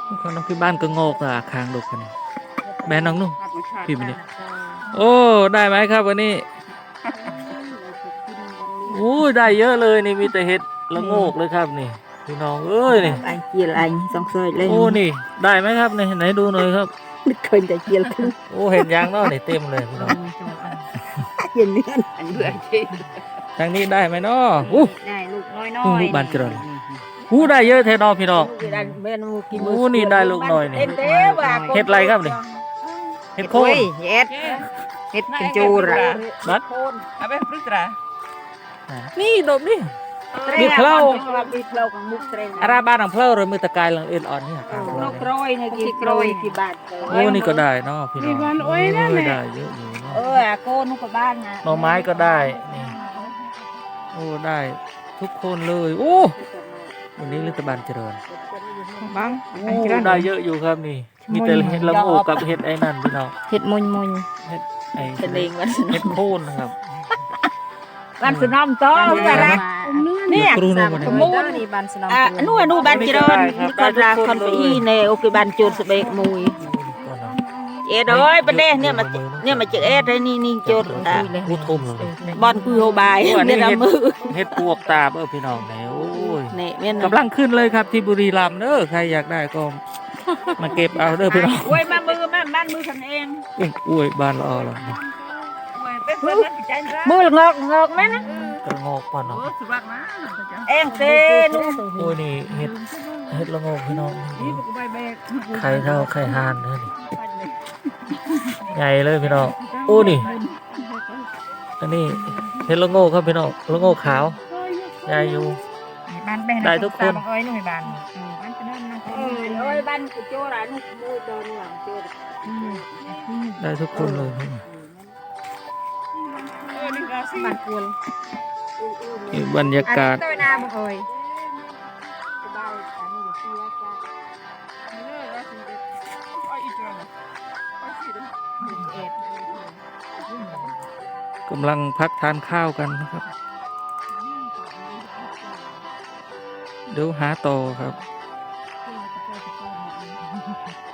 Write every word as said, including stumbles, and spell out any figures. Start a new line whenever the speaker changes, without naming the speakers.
คนน้องพี่บ้านก็งอกอ่ะคางดกกันนี่แม่น้องนุ่งพี่มันนี่โอ้ได้ไหมครับวันนี้โอ้ยได้เยอะเลยนี่มีแต่เห็ดละโงกเลยครับนี่พี่น้องเอ้ยนี่
อันเจียลอันสองซอยเลย
โอ้นี่ได้ไหมครับนี่ไหนดูหน่อยครับ
นึกเคยแต่เจียลขึ้น
โอ้เห็นยางเนาะนี่เต็มเลยพี่น้อง
เย็นเนื้ออันเบื่อจริง
ทางนี้ได้ไหมเนาะอู้
ได้ลูกน้อยน้
อยลูกบานเจริญอู้ได้เยอะแท้เนาะพี่น้องโอ้นี่ได้ลูกน้อยนี่เห็ดอะไรครับนี่เห็ดโคน
เห็ดเห็ดกินจูระ
นัด
เอาไปปรึกษา
นี่ดมนี่มีเพลา
มีเพลาของมุกเตรง
อาราบ้านของเพลาเลยมือตะกายหลังเอ็นอ่อนนี่ครับ
นกร้อยเนี่ยกี่ร้อยกี่บาท
โอ้นี่ก็ได้เนาะพี่น้องโอ้ยได้เยอะอยู่เนาะ
เออโคนนุกบ้านนะ
หน่อไม้ก็ได้นี่โอ้ได้ทุกคนเลยโอ้วันนี้รัฐบาลเจริญ
บ้าง
โอ้ได้เยอะอยู่ครับนี่มีแต่เห็ดละโงกกับเห็ดไอ้นั่นพี่น้อง
เห็ดมุนมุน
เห็ดไอ้
เห็ดเองวัน
เห็ดโคนนะครับ
บ้านสนอมโตแต่ละเนี่ย
ส
มุนนี่บ้านสนอมอ่ะนู่นนู่นบ้านเจริญนี่คนละคนไปอีเนโอเคบ้านโจรสเบกมุยเอ็ดเอ้ยประเด็นเนี่ยมาเนี่ยมาเจอเอ็ดเลยนี่นี่โจรอ่ะ
พูดทุ่มเลย
บอลคุยโฮบายเนี่ยละมือ
เห็ดปวกตาเออพี่น้องเนี่ยโอ้ย
เนี่ย
กำลังขึ้นเลยครับที่บุรีรัมย์เด้อใครอยากได้ก็มาเก็บเอาเด้อพี่น้อง
โอ้ยมามือมาบ้านมือฉันเอง
อุ้ยบ้านเราเหรอ
มืองอกงอกไหมนะ
กระงอกป่ะเนาะ
เอ็งเซนู
โอ้ยนี่เห็ดเห็ดละงอกพี่น้องไข่เท่าไข่ห่านเลยนี่ใหญ่เลยพี่น้องโอ้นี่อันนี้เห็ดละงอกครับพี่น้องละงอกขาวใหญ่อยู่ได้ทุกคน
เอ้ยนู่นบ้านเออเอ้ยบ้านโจรานุมูโดนหลังโจร
ได้ทุกคนเลยบรรยากาศกำลังพักทานข้าวกันนะครับเดี๋ยวหาต่อครับ